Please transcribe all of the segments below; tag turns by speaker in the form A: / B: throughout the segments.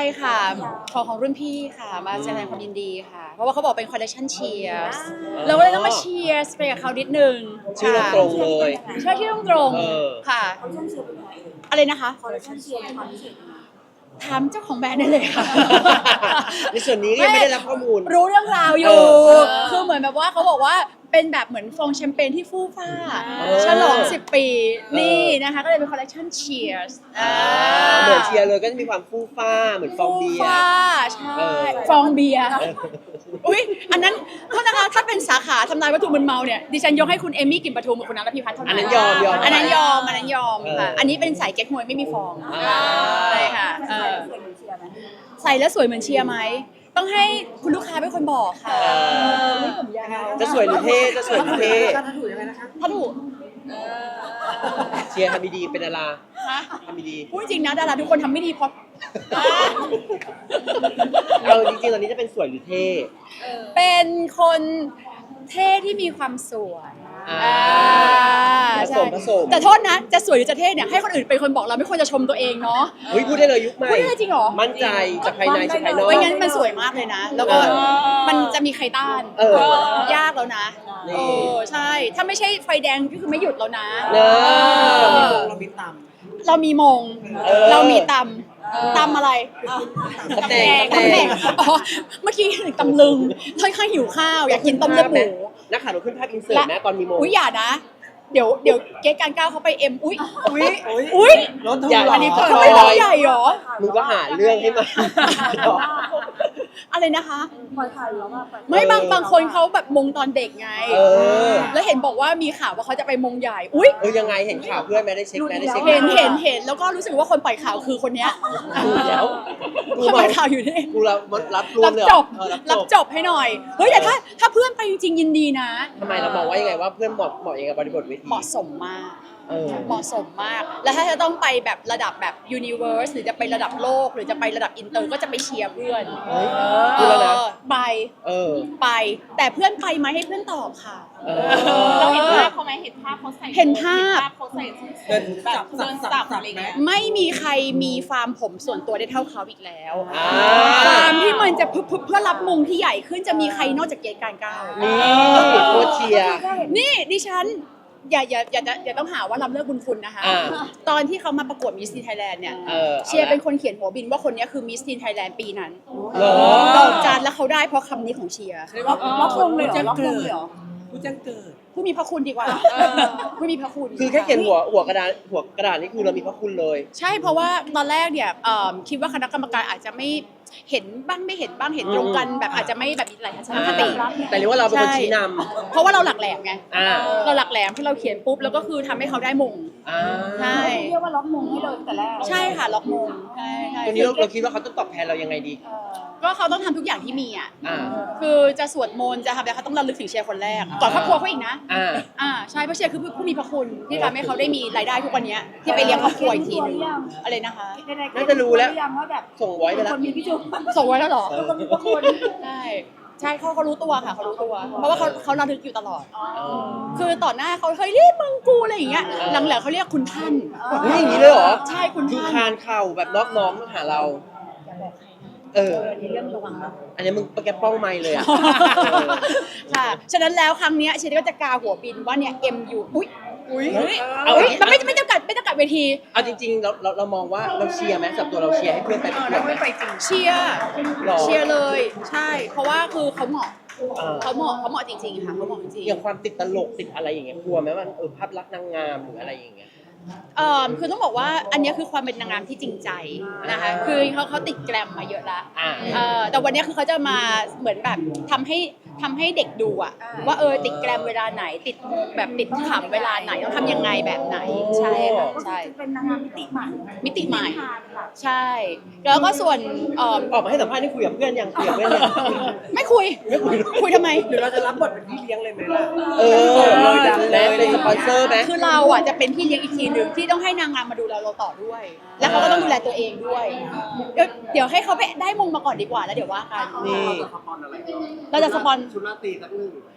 A: ค่ะของรุ่นพี่ค่ะมาแสดงความยินดีค่ะเพราะว่าเขาบอกเป็นคอลเลคชันเชียร์เราก็เลยต้องมาเชียร์ไปกับเขานิดนึง
B: ชื่อตรงเลย
A: ใช่ที่ตรงค่ะ
C: คอลเลคชันเชียร์เป็นยังไงเอ่ย
A: อะไรนะคะ
C: คอลเลคชันเชียร์มีความพิเศษยังไง
A: ถามเจ้าของแบรนด์ได้เลยค่ะ
B: ในส่วนนี้ยังไม่ได้รับข้อมูล
A: รู้เรื่องราวอยู่ คือเหมือนแบบว่าเขาบอกว่าเป็นแบบเหมือนฟองแชมเปญที่ฟู่ฟ้าฉลอง10 ปีนี่นะคะก็เลยเป็นคอลเลคชันเชียร์
B: เหมือนเชียร์เลยก็จะมีความฟู่ฟ้าเหมือนฟองเบียร์
A: ฟ้าใช่ฟองเบียร์อุ๊ยอันนั้นโทษนะคะถ้าเป็นสาขาทำลายวัตถุมึนเมาเนี่ยดิฉันยกให้คุณเอมี่กลิ่นปทุมกับคุณนัทพิพัฒน์เท่านั้น
B: อันนั้นยอม
A: อันนั้นยอมค่ะอันนี้เป็นสายเก๊กฮวยไม่มีฟองใช่ค่ะ
C: ใส่แล้วสวยเหมือนเชียร์ไหม
A: ใส่แล้วสวยเหมือนเชียร์ไหมต้องให้คุณลูกค้าเป็นคนบอกค่ะนี่ผมยาว
B: จะสวยหรือเท่จะสวยหรือเท่
A: ถ้าถูก
B: เชียร์ทำดีๆเป็นดารา
A: ฮะ
B: ทำดี
A: พูดจริงนะดาราทุกคนทำไม่ดีเพราะ
B: ๆเอาจริงๆตอนนี้จะเป็นสวยหรือเท่
A: เป็นคนเท่ที่มีความสวย
B: ผส
A: ใช่
B: ม
A: แต่โทษนะจะสวยหรือจะเท่เนี่ยให้คนอื่นเป็นคนบอกเราไม่ควรจะชมตัวเองเนาะ
B: เฮ้ยพูดได้เลยยุคใหม่
A: พูดได้เลยจริงเหรอ
B: มั่นใจจากภายในจากภายนอก
A: ไม่งั้นมันสวยมากเลยนะ แล้วก็มันจะมีใครต้าน ยากแล้วนะ
B: นี่
A: ใช่ ถ้าไม่ใช่ไฟแดงก็คือไม่หยุดแล้วนะ
B: เนอะ
A: เรามีตำเรามีมง เรามีตำอะไร
B: ตำแหน่ง
A: ตำแหน่งอ๋อเมื่อกี้ถึงตำลึงค่อนข้างหิวข้าวอยากกินต้มเลือดหมู
B: นักข่าวเราขึ้นภาพอินเสิร์ตนะตอนมีโม
A: อุ้ยอย่านะ เดี๋ยวเก๊การก้าวเขาไปเอ็มอุ้ย
B: อย่า
A: อันนี้
B: ก็
A: เขาไม่ต้องใหญ่หรอ
B: มึงก็หาเรื่องให้มา
A: อะไรนะคะ
C: ปล่อยถ่ายแล้วว่าปล่อย
A: ไม่บางคนเขาแบบมงตอนเด็กไง แล้วเห็นบอกว่ามีข่าวว่าเขาจะไปมงใหญ่ อุ้ย
B: ยังไงเห็นข่าวเพื่อนไหมได้เช็คไหมได้เช็ค
A: เห็นแล้วก็รู้สึกว่าคนปล่อยข่าวคือคนเนี้ย
B: แล้วกู
A: คนป
B: มา
A: ล่อยข่าวอยู่นี่
B: กูรับรว
A: รั
B: ม
A: บ
B: เลย
A: จบ
B: รั
A: รั
B: บบ จ
A: จ
B: บบ
A: ให้หน่อย เฮ้ยแต่ถ้าเพื่อนไปจริงๆยินดีนะ
B: ทำไมเรามองว่ายังไงว่าเพื่อนเหมาะยังไงกับบริบทเวที
A: เหมาะสมมาก
B: เออ
A: เหมาะสมมาก แล้วถ้าจะต้องไปแบบระดับแบบ universe หรือจะไประดับโลก หรือจะไประดับอินเตอร์ก็จะไปเชียร์เพื่อน
B: เฮ้ยพูดแล้วนะ
A: ไป
B: อ
A: ไป แต่เพื่อนไปไหมให้เพื่อนตอบค่ะ
D: เราเห็นภาพเขาไหมเห็นภาพเขาใส่
A: เห็นภาพ
D: เขาใส่แบบเดินสับอะไรเงี้ย
A: ไม่มีใครมีฟาร์มผมส่วนตัวได้เท่าเขาอีกแล้ว
B: อ่า
A: ฟาร์มที่มันจะพึบเพื่อรับมงที่ใหญ่ขึ้นจะมีใครนอกจากเกณฑ์การก้าว
B: นี่โคตรเชียร์
A: นี่ดิฉันอย่าต้องหาว่าลำเลิกบุญคุณนะคะ
B: อ่า
A: ตอนที่เขามาประกวดมิสทีนไทยแลนด์เนี่ย
B: เอาละ
A: เชียร์เป็นคนเขียนหัวบินว่าคนนี้คือมิสทีนไทยแลนด์ปีนั้น
B: เหรอ
A: ดอกจานแล้วเขาได้เพราะคำนี้ของเชียร์
C: ล็อกวงเลยเหรอล็อกวงเลยเหรอ
A: ผู้มีพระคุณดีกว่าผู้มีพระคุณ
B: คือแค่เขียนหัวกระดาษนี่คือเรามีพระคุณเลย
A: ใช่เพราะว่าตอนแรกเนี่ยคิดว่าคณะกรรมการอาจจะไม่เห็นบ้างไม่เห็นบ้างเห็นตรงกันแบบอาจจะไม่แบบมีหลายทัศนคติ
B: แต่เรียกว่าเราเป็นคน
A: ใช่
B: ชี้น
A: เพราะว่าเราหลักแหลมไง
B: อ่า
A: เราหลักแหลมที่เราเขียนปุ๊บแล้วก็คือทำให้เขาได้มง
B: อ่า
A: ใช่
C: เรียกว่าล็อกมงให้เลยตั้งแต่แรก
A: ใช่ค่ะล็อกมงใช่
B: ทีนี้เราคิดว่าเขาต้องตอบแทนเรายังไงดี
A: ก็เขาต้องทำทุกอย่างที่มีอ่ะ
B: อ่า
A: คือจะสวดมนต์จะทำอะไรเขาต้องระลึกถึงเชียร์คนแรกก่อนครอบครัวเขาอีกนะ
B: อ่า
A: ใช่เพราะเชียร์คือผู้มีพระคุณที่ทำให้เขาได้มีรายได้ทุกวันนี้ที่ไปเลี้ยงครอบครัวอีกทีนึงอะไรนะคะ
B: น่าจะรู้แล้ว
C: ยังว่าแบบ
B: ส่งไว้ไปแล้ว
C: คนมีพี่จุ๊บ
A: ส่งไว้แล้วเหรอ
C: คนมีพระคุณ
A: ใช่เขารู้ตัวค่ะเขารู้ตัว เพราะว่าเขาระลึกอยู่ตลอด คือต่อหน้าเขาเฮ้ยเรียกมึงกูอะไรอย่างเงี้ยหลังๆเขาเรียกคุณท่าน
B: นี่อย่างนี้เลยเหรอ
A: ใช่คุณ
B: คือ
A: ท่าน
B: คานเข่าแบบนอบน้อมมาหาเรา
C: อันนี้เรื่องระวังนะ
B: อันนี้มึงแกป้องไม่เลยอ่ะ
A: ค่ะฉะนั้นแล้วครั้งเนี้ยเชนก็จะกาหัวบินว่าเนี่ย MU อุ้ย
B: เอา
A: มันไม่จำกัดเวที
B: เอาจริงๆเรามองว่าเราเชียร์ไหมสำหรับตัวเราเชียร์ให้เพื่อนไปประกวดไหม
A: เชียร์
B: หรอ
A: เชียร์เลยใช่ เพราะว่าคือเขาเหมาะ
B: อ่า
A: เขาเหมาะจริงๆค่ะเขาเหมาะจริง
B: อย่างความติดตลกติดอะไรอย่างเงี้ยกลัวไหมว่าภาพลักษณ์นางงามหรืออะไรอย่างเงี้ย
A: คือต้องบอกว่าอันเนี้ยคือความเป็นนางงามที่จริงใจนะคะคือเขาติดแกรมมาเยอะละ
B: อ่า
A: แต่วันเนี้ยคือเขาจะมาเหมือนแบบทำให้เด็กดูอะว่าติดแกรมเวลาไหนติดแบบติดขำเวลาไหนต้องทำยังไงแบบไหนใช่ค่ะใช่
C: จะเป็นนางงามมิติใหม่
A: มิติใหม่
C: ทานค่ะ
A: ใช่ แล้วก็ส่วน
B: ออกมาให้สัมภาษณ์นี่คุยกับเพื่อนยังคุยกับเพื่อนยัง
A: ไม่คุยคุยทำไม
E: หรือเราจะรับบทเป็นพี่เลี้ยงเลยไหมล่ะ
B: และเป็นสปอนเซอร์ไหม
A: คือเราอ่ะจะเป็นพี่เลี้ยงอีกทีหนึ่งที่ต้องให้นางงามมาดูเราต่อด้วย แล้วเขาก็ต้องดูแลตัวเองด้วย เดี๋ยวให้เขาไปได้มงมาก่อนดีกว่าแล้วเดี๋ยวว่ากัน
B: นี่
E: สปอนอะไร
A: เราจะสปอน
E: ชุดราตรีสักหนึ่ง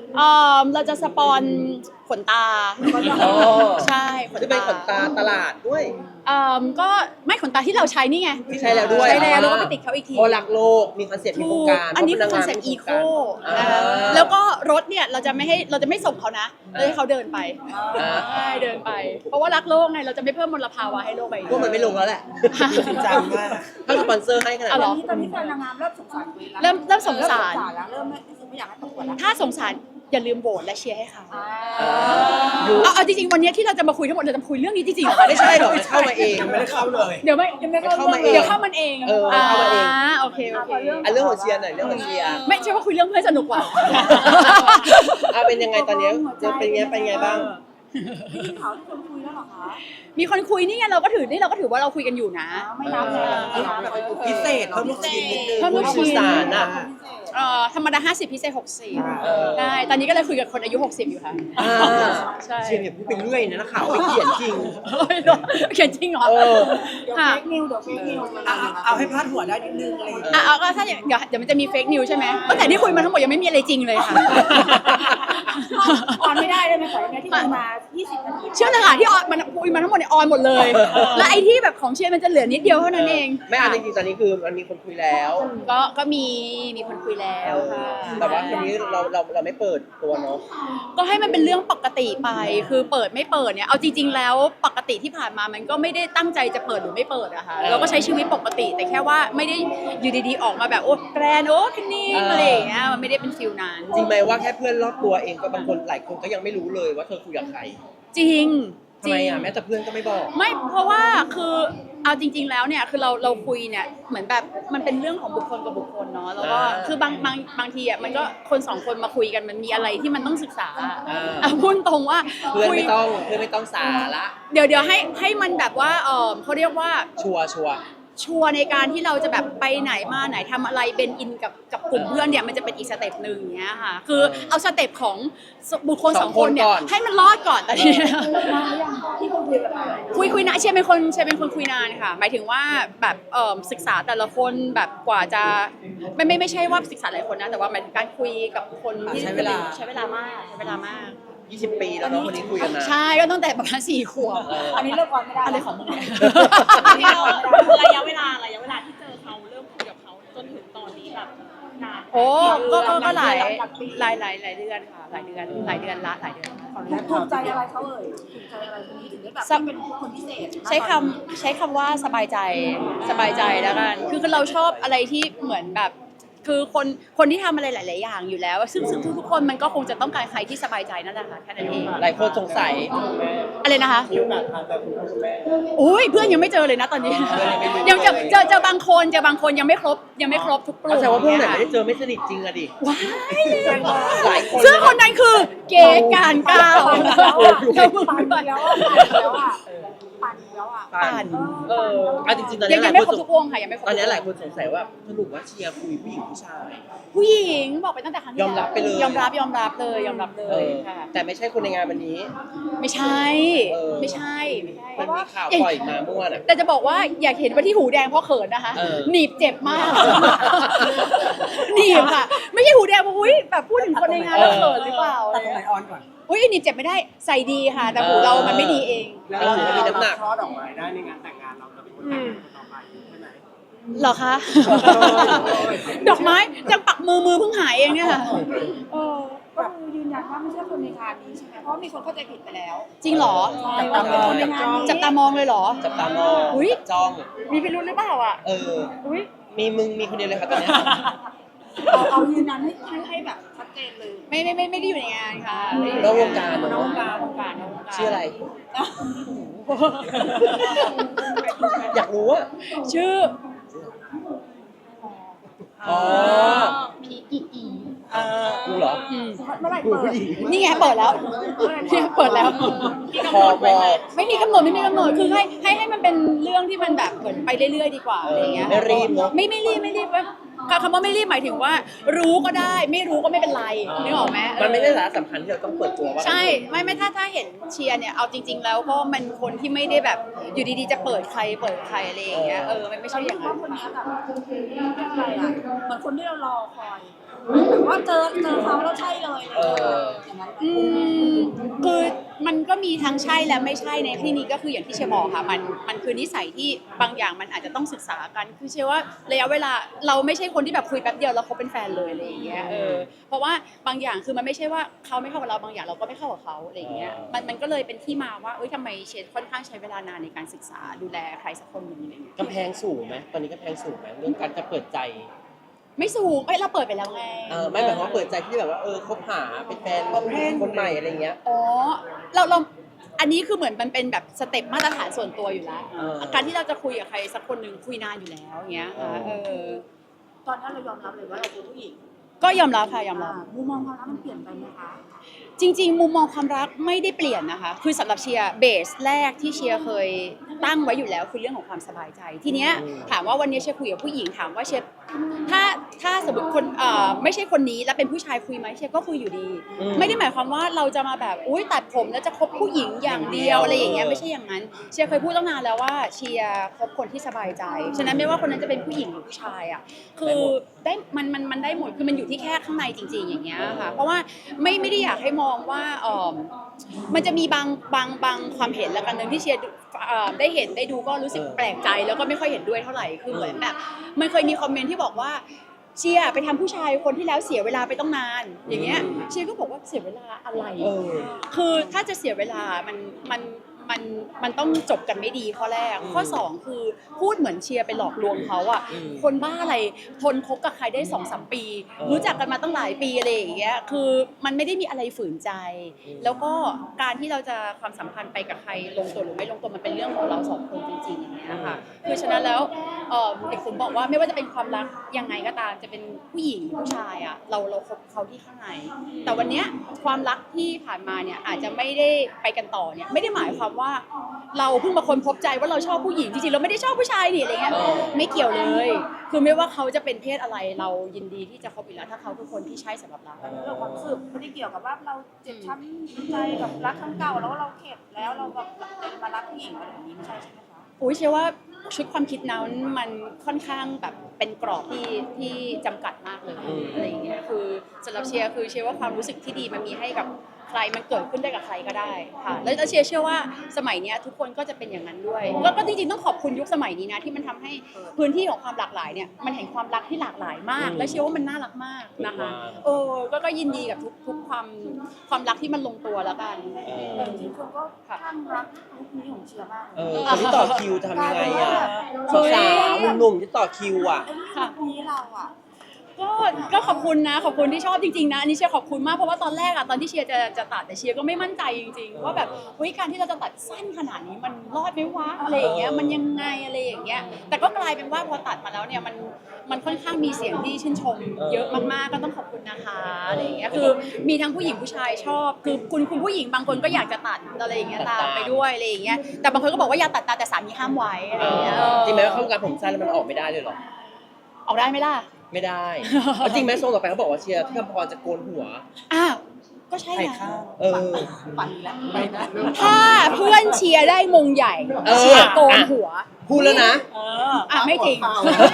A: เราจะสปอนขนตา
B: อ๋อ
A: ใช่ขน
B: จะเป็นขน
A: ตา
B: ตาตลาดด้วย
A: ก็ไม่ขนตาที่เราใช้นี่ไง
B: ที่ใช้แล้วด้วย
A: ใช้แล้วก็ไปติดเขาอีกที
B: เพราะรักโลกมีคอนเซ็ปต์มีโครงการ
A: อันนี้คือ
B: พ
A: คอ
B: ราะ
A: น
B: พ
A: เซ็ป
B: งา
A: ต์อีโค
B: อ่า
A: นะคะแล้วก็รถเนี่ยเราจะไม่ส่งเขานะเราให้เขาเดินไป
B: อ่า
A: ใช่เดินไป เพราะว่ารักโลกไงเราจะไม่เพิ่มมลภาวะให้โลกใบนี้
B: พวกมันไม่ลงแล้วแหละ
E: จริงจังมาก
B: ถ้าสปอนเซอร์ให้ขนาด
A: อ๋อเหร
B: นั้
A: อ
B: น
C: ตอนนี้แฟนนางงามเริ่มสงสารตัวเองแล้ว
A: เริ่มสงสาร
C: แล้วเริ่มไม่อยากให้ประกวดแล้ว
A: ถ้าสงสารอย่าลืมโหวตและเชียร์ให้เขา
C: อ่า
A: เอาจริงๆวันนี้ที่เราจะมาคุยทั้งหมดเราจะมาคุยเรื่องนี้จริงๆเหรอคะ
B: ไม่ใช่หรอกเข้ามาเอง
E: ยังไม่ได้เข้าเลย
A: เดี๋ยวไม่เข้า
B: เข้ามาเอง
A: เดี๋ยวเข้ามันเอง
B: เข้ามาเอง
A: โอเคโอเค
B: อันเรื่องของเชียร์หน่อยเรื่องของเชียร์
A: ไม่ใช่ว่าคุยเรื่องเพื่อนสนุกกว่า
B: เป็นยังไงตอนนี้เป็นไงบ้าง
C: ที่เขาที่คนคุยแล้วเหรอคะ
A: มีคนคุยนี่ไงเราก็ถือว่าเราคุยกันอยู่นะ
C: ไม่นับเลยไม่นับเลย
E: พิเศษเพิ่มลูกชิ้นนิดนึง
A: เพิ่มลูกชิ้น
B: สารอ่ะ
A: ธรรมดา50พิเศษ
B: เออ
A: 60ได้ตอนนี้ก็เลยคุยกับคนอายุ60อยู่ค่ะ
B: อ่า
A: ใช่
B: เชียร์เนี่ยพูดไปเรื่อยนะนักข่าวไปเขียนจริง
A: เขียนจริงเหรอ
B: เออ
C: เดี๋ยว
A: ค่ะ
C: เฟกนิวเดี๋ยวเฟกนิว
E: เอาให้พาดหัวได้นิดนึงอะไรอย่างเงี้ย
A: เอาก็ถ้าอย่างเดี๋ยวมันจะมีเฟกนิวใช่ไหมแต่ที่คุยมาทั้งหมดยังไม่มีอะไรจริงเลยค่ะ
C: ออนไม่ได้ได้ไหมขอยังไงที่คุยมา20 นาที
A: เชื่อเลยค่ะที่ออนมันคุยมาทั้งหมดเนี่ยออนหมดเลย และไอ้ที่แบบของเชียร์มันจะเหลือนิดเดียวเท่านั้นเอง
B: ไม่จริงๆตอนนี้คือมันมีคนคุยแล้ว
A: ก็มีคนคุยแล้วค่ะ
B: แต่ว่าทีนี้เราไม่เปิดตัวเนาะ
A: ก็ให้มันเป็นเรื่องปกติไปคือเปิดไม่เปิดเนี่ยเอาจริงๆแล้วปกติที่ผ่านมามันก็ไม่ได้ตั้งใจจะเปิดหรือไม่เปิดอะค่ะเราก็ใช้ชีวิตปกติ แต่แค่ว่าไม่ได้อยู่ดีๆออกมาแบบโอ้แกรนโอ้คันนี้อะไรอย่างเงี้ยมันไม่ได้เป็นฟิลนั้น
B: จริงไหมว่าแค่เพื่อนรอบตัวเองก็บางคนหลายคนก็ยังไม่รู้เลยว่าเธอคุยกับใคร
A: จริง
B: ทำไมอ่ะแม้แต่เพื่อนก็ไม่บอก
A: ไม่เพราะว่าคือเอาจริง ๆ แล้วเนี่ยคือเราคุยเนี่ยเหมือนแบบมันเป็นเรื่องของบุคคลกับบุคคลเนาะแล้วก็คือบางทีอ่ะมันก็คนสองคนมาคุยกันมันมีอะไรที่มันต้องศึกษาพูดตรงว่า
B: เพื่อน
A: คุย
B: ไม่ต้องสาระ
A: เดี๋ยวให้มันแบบว่าเขาเรียกว่า
B: ชัวร์
A: ชัวร์ในการที่เราจะแบบไปไหนมาไหนทำอะไรเป็นอินกับกลุ่มเพื่อนเนี่ยมันจะเป็นอีกสเต็ปหนึ่งอย่างเงี้ยค่ะคือเอาสเต็ปของบุคคลสองคนเนี่ยให้มันรอดก่อนแต่ทีเนี้ย
C: ที่คนคุยกันมา
A: คุยนะเชียร์เป็นคนคุยนานค่ะหมายถึงว่าแบบศึกษาแต่ละคนแบบกว่าจะไม่ใช่ว่าศึกษาหลายคนนะแต่ว่าหมายถึงการคุยกับคนที่ใช้เวลามาก
B: 20 ปีแล้วเนาะคนนี้คุยกันนะ
A: ใช่ก็ตั้งแต่ประมาณ4 ขวบ
C: อันนี้เลิกออนไม่ได้
A: อะไรของมึงเนี่ย
D: ระยะเวลาที่เจอเขาเริ่มคุยกับเขาจนถึงตอนนี้แบบนาน
A: โอ้ก็หลายเดือนค่ะหลายเดือนละ
C: ภูมิใจอะไรเขาเอ่ยภูมิใจอะไรคนนี้ถึงได้แบบเป็นคนพิเศษ
A: ใช้คำว่าสบายใจแล้วกันคือเราชอบอะไรที่เหมือนแบบคือคนที่ทำอะไรหลาย ๆ อย่างอยู่แล้ว ซึ่งทุกคนมันก็คงจะต้องการใครที่สบายใจนั่นแหละค่ะแค่นั้นเอง
B: หลายคนสงสัย
A: อะไรนะคะอุ้ยเพื่อนยังไม่เจอเลยนะตอนนี้
B: เพื่อนยังไม่รู้
A: ยังเจอบางคนยังไม่ครบทุกกลุ่ม
B: แสดงว่าพวกไหนไม่ได้เจอไม่สนิทจริงอะดิ
A: ว้าย
B: หลายคน
A: ซึ่งคนนั้นคือเก๋การก้าว
C: ปั่นแล้วอ่ะปั่นแล้วอ่ะ
B: ปั่นจริงๆตอน
A: ยั
B: นี้
A: ง
B: หลาย
A: ไม่
B: คน
A: ครบทุกวงค่ะยังไม่ครบ
B: ตอนนี้หลายคนสงสัยว่าสรุปว่าเชียร์คุยผู้หญิงผู้ชาย
A: ผู้หญิงบอกไปตั้งแต่ครั้งที่
B: ยอมรับไปเลย
A: ยอมรับเลยค่ะ
B: แต่ไม่ใช่คนในงานวันนี้
A: ไม่ใช่ ไม่ใช่
B: มันมีข่าวปล่อยมาเมื่อวานอะ
A: แต่จะบอกว่าอยากเห็นว่าที่หูแดงเพราะเขินนะคะ หนีบเจ็บมาก หนีบค่ะ ไม่ใช่หูแดงเพราะอุ้ยแบบพูดถึงคนในงานแล้วเขินหรือเปล่า
E: ตัดตรงไหนออนก่อน
A: อุ้ยหนีบเจ็บไม่ได้ใส่ดีค่ะ แต่หูเรามันไม่ดีเอง
E: แล้วเราจะมีน้ำหนักช่อดอกไม้ได้ในงานแต่งงานเราจะเป็นคนแต่งงานต่อไปใช่ไหม
A: เหรอคะ ดอกไม้ยังปักมือเพิ่งหายเองเนี่ยค่ะ
C: ก็คือยืนยันว่าไม่ใช่คนในงานนี้ใช่ไหมเพราะมีคนเข้าใจผิดไปแล้ว
A: จริงเหรอ
C: ใช่ว่าเป็นคนในงานนี้
A: จับตามองเลยเหรอ
B: จับตามอง
A: อุ๊ย
B: จ้อง
A: มีพิรุธหรือเปล่าอ่ะ อุ้ย
B: มีมึงมีคนเดียวเลยค่ะตอนเนี้ย
C: เอายืนยันให้แบบชัดเจนเลย
A: ไม่ได้อยู่ในงานค่ะ
B: นอกวงการ
A: นอกวงการ
B: ชื่ออะไร อยากรู้อะ
A: ชื่อ
B: อ๋อ
A: พีอีอี
B: กูเหรอ
C: เมื่อไหร่เปิด
A: นี่ไงเปิดแล้วเนี่ยเปิดแล้ว
B: พอ
A: ไม่มีกำหนดคือให้มันเป็นเรื่องที่มันแบบเหมือนไปเรื่อยๆดีกว่าอะไรเงี้ย
B: ไม่รีบเนอะ
A: ไม่รีบคำว่าไม่รีบหมายถึงว่า รู้ก็ได้ไม่รู้ก็ไม่เป็นไรนึกออกไหม
B: มันไม่ได้สาระสำคัญที่เราต้องเปิดตัวว่า
A: ใช่ไม่ถ้าเห็นเชียร์เนี่ยเอาจริง ๆ แล้วก็มันคนที่ไม่ได้แบบอยู่ดีๆจะเปิดใครอะไรอย่างเงี้ยมันไม่ใช่อย่าง
C: ว่า
A: นั้น
C: คนนี้แบบเรียกอะไรอ่ะเหมือนคนที่เรารอคอยแบบว่าเจอเขาแล้วใช่เลยอย่างนั้น
A: คือมันก็มีทั้งใช่และไม่ใช่ในที่นี้ก็คืออย่างที่เชียร์บอกค่ะมันคือนิสัยที่บางอย่างมันอาจจะต้องศึกษากันคือเชื่อว่าระยะเวลาเราไม่ใช่คนที่แบบคุยแป๊บเดียวแล้วเขาเป็นแฟนเลยอะไรอย่างเงี้ยเพราะว่าบางอย่างคือมันไม่ใช่ว่าเขาไม่เข้ากับเราบางอย่างเราก็ไม่เข้ากับเขาอะไรอย่างเงี้ยมันก็เลยเป็นที่มาว่าทำไมเชนค่อนข้างใช้เวลานานในการศึกษาดูแลใครสักคนหนึ่งอะไรอย่างเงี้ย
B: กำแพงสูงไหมตอนนี้กำแพงสูงไหมเรื่องการจะเปิดใจ
A: ไม่สูงเราเปิดไปแล้วไง
B: ไม่หมายความว่าเปิดใจที่แบบว่าคบหาเป็นแฟนคนใหม่อะไรเงี้ย
A: อ๋อเราอันนี้คือเหมือนมันเป็นแบบสเต็ปมาตรฐานส่วนตัวอยู่แล้วการที่เราจะคุยกับใครสักคนหนึ่งคุยนานอยู่แล้วอย่างเงี้ยค่ะ
C: ตอนนั้นเรายอมรับเลยว่าเราเป็นผู้หญิง
A: ก็ยอมรับค่ะยอมรับ
C: มุมมองความรักมันเปลี่ยนไปไหมคะ
A: จริงๆมุมมองความรักไม่ได้เปลี่ยนนะคะคือสำหรับเชียร์เบสแรกที่เชียร์เคยตั้งไว้อยู่แล้วคือเรื่องของความสบายใจทีเนี้ยถามว่าวันนี้เชียร์คุยกับผู้หญิงถามว่าเชียร์ถ้าสมมติคนไม่ใช่คนนี้แล้วเป็นผู้ชายคุยไหมเชียร์ก็คุยอยู่ดี ไม่ได้หมายความว่าเราจะมาแบบอุ้ยตัดผมแล้วจะคบผู้หญิงอย่างเดียวอะไรอย่างเงี้ยไม่ใช่อย่างนั้นเชียร์เคยพูดตั้งนานแล้วว่าเชียร์คบคนที่สบายใจฉะนั้นไม่ว่าคนนั้นจะเป็นผู้หญิงหรือผู้ชายอ่ะคือได้มันได้หมดคือมันอยู่ที่แค่ข้างในจริงๆอย่างเงี้ยค่ะเพราะว่าไม่ได้อยากให้มองว่ามันจะมีบางความเห็นแล้วกันนึงที่เชียร์ได้เห็นได้ดูก็รู้สึกแปลกใจแล้วก็ไม่ค่อยเห็นด้วยเท่าไหร่คือเหมือนแบบมันเคยมีคอมเมนต์ที่บอกว่าเชียร์ไปทำผู้ชายคนที่แล้วเสียเวลาไปต้องนานอย่างเงี้ยเชียร์ก็บอกว่าเสียเวลาอะไรคือถ้าจะเสียเวลามันต้องจบกันไม่ดีข้อแรกข้อ2คือพูดเหมือนเชียร์ไปหลอกลวงเขาอ่ะคนบ้าอะไรทนคบกับใครได้ 2-3 ปีรู้จักกันมาตั้งหลายปีอะไรอย่างเงี้ยคือมันไม่ได้มีอะไรฝืนใจแล้วก็การที่เราจะความสัมพันธ์ไปกับใครลงตัวหรือไม่ลงตัวมันเป็นเรื่องของเราสองคนจริงๆอย่างเงี้ยค่ะคือฉะนั้นแล้วเด็กผมบอกว่าไม่ว่าจะเป็นความรักยังไงก็ตามจะเป็นผู้หญิงผู้ชายอ่ะเราคบเขาที่ข้างในแต่วันเนี้ยความรักที่ผ่านมาเนี่ยอาจจะไม่ได้ไปกันต่อเนี่ยไม่ได้หมายความว่าเราเพิ่งมาคนพบใจว่าเราชอบผู้หญิงจริงๆเราไม่ได้ชอบผู้ชายนี่อะไรเงี้ยไม่เกี่ยวเลยคือไม่ว่าเขาจะเป็นเพศอะไรเรายินดีที่จะคบอยู่แล้วถ้าเขาคือคนที่ใช่สำหรับเรา
C: เรื่องความรู้สึกไม่ได้เกี่ยวกับว่าเราเจ็บช้ำใจกับรักครั้งเก่าแล้วเราเข็ดแล้วเราแบบมารักผู้หญิงอะไรแบบนี้ไม่ใช่ใช่ไหมคะ
A: อุ้ยเชื่อว่าชุดความคิดนั้นมันค่อนข้างแบบเป็นกรอบที่จำกัดมากเลยอะไรอย่างเงี้ยคือสำหรับเชียร์คือเชื่อว่าความรู้สึกที่ดีมันมีให้กับใครมันเกิดขึ้นได้กับใครก็ได้ค่ะแล้วเชียร์เชื่อว่าสมัยเนี้ยทุกคนก็จะเป็นอย่างนั้นด้วยก็จริงๆต้องขอบคุณยุคสมัยนี้นะที่มันทำให้พื้นที่ของความหลากหลายเนี่ยมันเห็นความรักที่หลากหลายมากและเชื่อว่ามันน่ารักมากนะคะก็ยินดีกับทุกความรักที่มันลงตัวแล้วกัน
C: จริงๆคนก็ข้างรักลุคนี้ของเชียร์มากเลย
B: คนที่ต่อคิวทำยังไงอ่ะสาวๆหนุ่มๆที่ต่อคิวอ่ะ
C: ค่ะนี้เราอ่ะ
A: ก็ขอบคุณนะขอบคุณที่ชอบจริงๆนะอันนี้เชียร์ขอบคุณมากเพราะว่าตอนแรกอะตอนที่เชียร์จะตัดแต่เชียร์ก็ไม่มั่นใจจริงๆว่าแบบเฮ้ยการที่เราจะตัดสั้นขนาดนี้มันรอดไหมวะอะไรอย่างเงี้ยมันยังไงอะไรอย่างเงี้ยแต่ก็กลายเป็นว่าพอตัดมาแล้วเนี่ยมันค่อนข้างมีเสียงที่ชื่นชมเยอะมากๆก็ต้องขอบคุณนะคะอะไรอย่างเงี้ยคือมีทั้งผู้หญิงผู้ชายชอบคือคุณผู้หญิงบางคนก็อยากจะตัดอะไรอย่างเงี้ยตามไปด้วยอะไรอย่างเงี้ยแต่บางคนก็บอกว่าอย่าตัดตามแต่สามีห้ามไว้อะไรอย่างเงี้ย
B: จริงไหมว่าเข้าวงการผมสั้นแล้วมันออกไม่ได้เลยหรอ
A: ออกได้ไหมล่ะ
B: ไม่ได้แล้วจริงไหมทรงต่อไปเขาบอกว่าเชียร์ที่คำพรจะโกนหัว
A: ก็ใช่
B: ไข่
A: นะ
B: ข้าว
C: ปั่นแล้วไปนะ
A: ถ้าเพื่อนเชียร์ได้มงใหญ่เชียร์โกนหัว
B: พูดแล้วนะ
A: ไม่จริง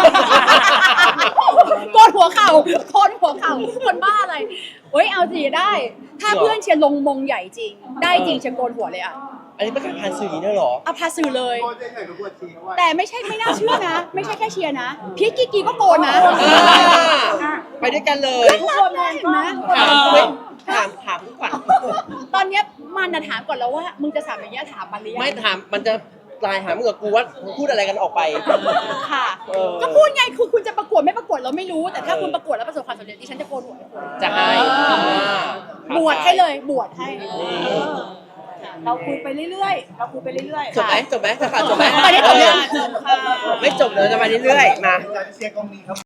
A: โกนหัวเข่าโกนหัวเข่าคนบ้าอะไรเฮ้ยเอาสิได้ ถ้าเพื่อนเชียร์ลงมงใหญ่จริงได้จริงเชียร์โกนหัวเลยอ่ะ
B: อันนี้ประกาศผ่านสื่ออย่างนี้ด้วยเหรอ
A: พาสื่อเลย
E: โคตรใหญ่กับปวดฉี่เขาว่า
A: แต่ไม่น่าเชื่อนะ ไม่ใช่แค่เชียร์นะพี่กิกกี้ก็โกนนะ
B: ไปด้วยกันเลย
A: ทุกคนเห็นไหม
B: ถามทุกวัน
A: ตอนเนี้ยมันนะถามก่อนแล้วว่ามึงจะถามอย่างเงี้ยถามมันหรือยัง
B: ไม่ถามมันจะไลน์หามึงกับกูว่าพูดอะไรกันออกไป
A: ค่ะก็พูดไงคือคุณจะประกวดไม่ประกวดเราไม่รู้แต่ถ้าคุณประกวดแล้วประสบความสำเร็จดิฉันจะโกนหัวให้คุณ
B: จะให้
A: บวชให้เลยบวชให้
C: เราคุยไปเรื่อยๆเราคุยไปเรื่อยๆ
B: จบไหมจะขาดจบไหม
A: ตอนนี้จบยัง
B: ไม่จบเลยจะมาเรื่อยๆมา
E: จากเชียร์กองนี้ครับ